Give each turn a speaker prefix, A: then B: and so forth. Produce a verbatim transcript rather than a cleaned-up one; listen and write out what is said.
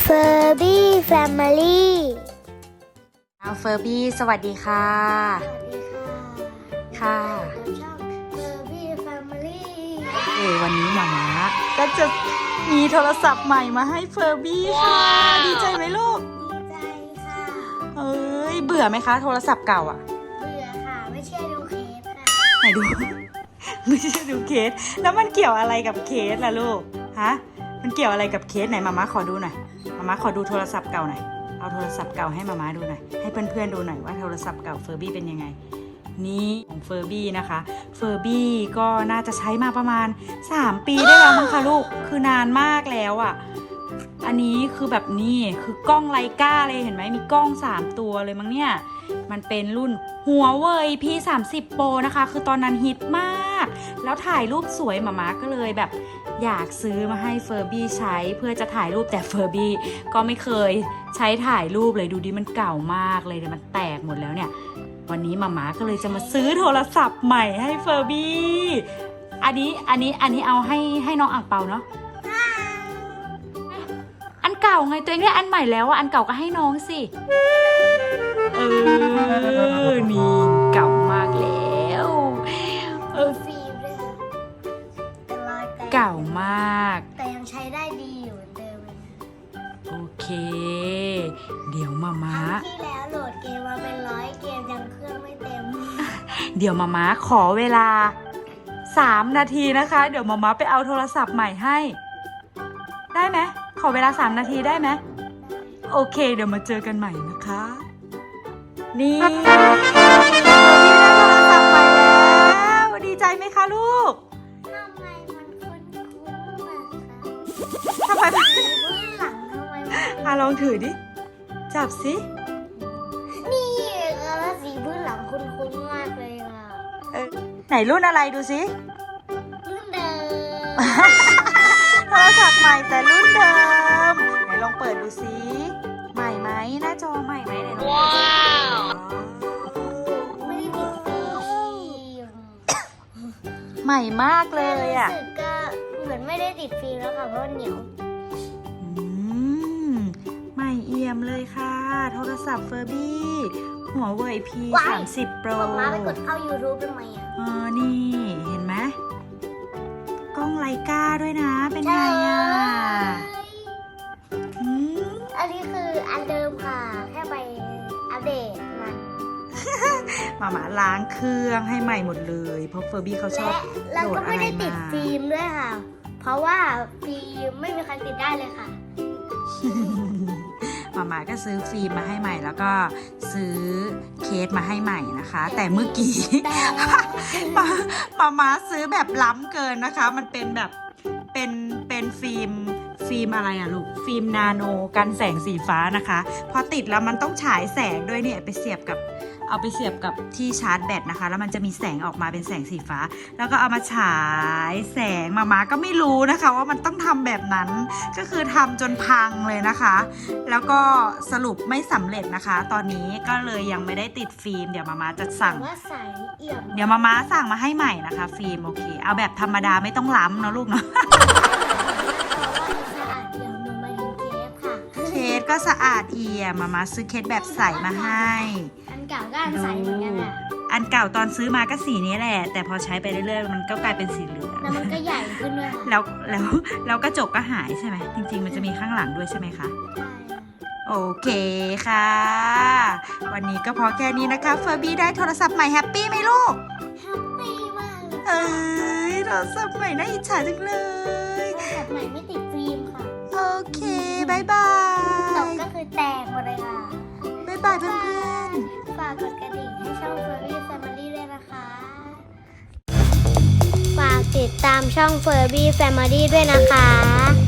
A: Furby Family
B: เอาเฟอร์บี้สวัสดีค่ะ
A: สวัสดีค่ะ
B: ค่ะ
A: ช่อง Furby Family
B: เอวันนี้หมาม้าก็จะมีโทรศัพท์ใหม่มาให้เฟอร์บี้ค่ะดีใจไหมลูก
A: ดีใจค่ะ
B: เอ้ยเบื่อไหมคะโทรศัพท์เก่าอ่ะ
A: เบื่อค่ะ ไม่เชื่อดูเคสค่ะ
B: ไหนดู ไม่ใช่ดูเคสแล้วมันเกี่ยวอะไรกับเคสล่ะลูกฮะมันเกี่ยวอะไรกับเคสไหนมาม่าขอดูหน่อยมาม่าขอดูโทรศัพท์เก่าหน่อยเอาโทรศัพท์เก่าให้มาม่าดูหน่อยให้เพื่อนๆดูหน่อยว่าโทรศัพท์เก่าเฟอร์บี้เป็นยังไงนี่ของเฟอร์บี้นะคะเฟอร์บี้ก็น่าจะใช้มาประมาณสามปีได้แล้วมั้งคะลูกคือนานมากแล้วอ่ะอันนี้คือแบบนี้คือกล้องไลกาเลยเห็นไหมมีกล้องสามตัวเลยมั้งเนี่ยมันเป็นรุ่นหัวเว่ย พี สามสิบ Pro นะคะคือตอนนั้นฮิตมากแล้วถ่ายรูปสวยหมาม้าก็เลยแบบอยากซื้อมาให้เฟอร์บี้ใช้เพื่อจะถ่ายรูปแต่เฟอร์บี้ก็ไม่เคยใช้ถ่ายรูปเลยดูดิมันเก่ามากเลยมันแตกหมดแล้วเนี่ยวันนี้หมาม้าก็เลยจะมาซื้อโทรศัพท์ใหม่ให้เฟอร์บี้อันนี้อันนี้อันนี้เอาให้ให้น้องอ่างเปาเนาะอันเก่าไงตัวเองได้อันใหม่แล้วอ่ะอันเก่าก็ให้น้องสิเออนี่เก่ามากแล้วเออ
A: ฟิล์มด้วยค่ะเป็นรอยแตก
B: เก่ามาก
A: แต่ยังใช้ได้ดีอยู่เหมือนเดิมเลยนะ
B: โอเคเดี๋ยวมาม้า
A: ครั้งที่แล้วโหลดเกมมาเป็นร้อยเกมยังเครื่องไม่เต็ม
B: เดี๋ยวมาม้าขอเวลาสามนาทีนะคะเดี๋ยวมาม้าไปเอาโทรศัพท์ใหม่ให้ได้ไหมขอเวลาสามนาทีได้ไหมโอเคเดี๋ยวมาเจอกันใหม่นะคะนี่เราได้โทรศัพท์ใหม่แล้วดีใจไหมคะลูก
A: ทำไมมันคุ้นๆอะคะ
B: ทำไมมัน
A: สีพื้นหลังทำไมมัน
B: อ่ะลองถือดิจับสิ
A: นี่ค่ะแล้วสีพื้นหลังคุ้นๆมากเลยค่ะ
B: เออไหนรุ่นอะไรดูสิ
A: รุ่นเดิม
B: โทรศัพท์ใหม่แต่รุ่นเดิมไหนลองเปิดดูสิใหม่ไหมหน้าจอใหม่ไหมไหนลองเปิดว้าว
A: ไม่ได้ติดฟิล์ม
B: ใหม่มากเลยอ่ะ
A: รู้สึกก็เหมือนไม่ได้ติดฟิล์มแล้วค่ะเพราะว่าเหนียว
B: อืมใหม่เอี่ยมเลยค่ะ โทรศัพท์เฟอร์บี้หัวเว่ย พี สามสิบ Pro
A: บอกมาไปกดเข้า YouTube เป็นไหมอ่ะ
B: อ๋อนี่เห็นไหมกล้องไลกาด้วยนะเป็นไงอ่ะอืม
A: อันนี้คืออันเดิมค่ะ แค่ไปอัปเดตมัน
B: มาม่าล้างเครื่องให้ใหม่หมดเลยเพราะเฟอร์บี้เขาชอบ
A: และแล้ว
B: โหล
A: ก็
B: ดอะ
A: ไม่
B: ไร
A: ได้ติด
B: มา
A: ฟิล์มด้วยค่ะ เพราะว่าฟิล์มไม่มีใครติดได้เลยค่ะ
B: มาม่าก็ซื้อฟิล์มมาให้ใหม่แล้วก็ซื้อเคสมาให้ใหม่นะคะ แต่เมื่อกี้
A: แต่
B: มามาม่าซื้อแบบล้ำเกินนะคะ มันเป็นแบบเป็นเป็นฟิล์มฟิล์มอะไรอะลูกฟิล์มนาโนกันแสงสีฟ้านะคะพอติดแล้วมันต้องฉายแสงด้วยเนี่ยไปเสียบกับเอาไปเสียบกับที่ชาร์จแบตนะคะแล้วมันจะมีแสงออกมาเป็นแสงสีฟ้า แล้วก็เอามาฉายแสงมาม่าก็ไม่รู้นะคะว่ามันต้องทำแบบนั้นก็คือทำจนพังเลยนะคะ แล้วก็สรุปไม่สำเร็จนะคะ ตอนนี้ก็เลยยังไม่ได้ติดฟิล์มเดี๋ยวมาม่าจะสั่ง
A: ว่าใสเอี่ยม
B: เดี๋ยวมาม่าสั่งมาให้ใหม่นะคะฟิล์มโอเคเอาแบบธรรมดาไม่ต้องล้ำเนอะลูกเนาะ
A: สะอาดเอี่ยมหนูมาถึงเคสค่ะ
B: เคสก็สะอาดเอี่ยมมาม่าซื้อเคสแบบใสมาให้
A: อันเก่าก็อันใสเหมือนกันค่ะ
B: อันเก่าตอนซื้อมาก็สีนี้แหละแต่พอใช้ไปเรื่อยๆมันก็กลายเป็นสีเหลือง
A: แล้วมันก็ใหญ่ขึ้นด้วยค่ะ
B: แล้วแล้วแล้วกระจกก็หายใช่ไหมจริงๆมันจะมีข้างหลังด้วยใช่ไหมคะ โอเคค่ะ วันนี้ก็พอแค่นี้นะคะเฟอร์บี้ได้โทรศัพท์ใหม่แฮปปี้ไหมลูก
A: แฮปปี้มากเลย
B: เอ้ยโทรศัพท์ใหม่น่าอิจฉาจังเลย
A: โทรศัพท์ใหม่ไม่ติดฟิล์มค่ะ
B: โอเคบายบา
A: ต
B: ย
A: กก็คือแตกหมดเลยค่ะ
B: บายบายเพื่อน
A: ฝากกดกระดิ่งให้ช่อง Furby Family ด้วยนะคะ ฝากติดตามช่อง Furby Family ด้วยนะคะ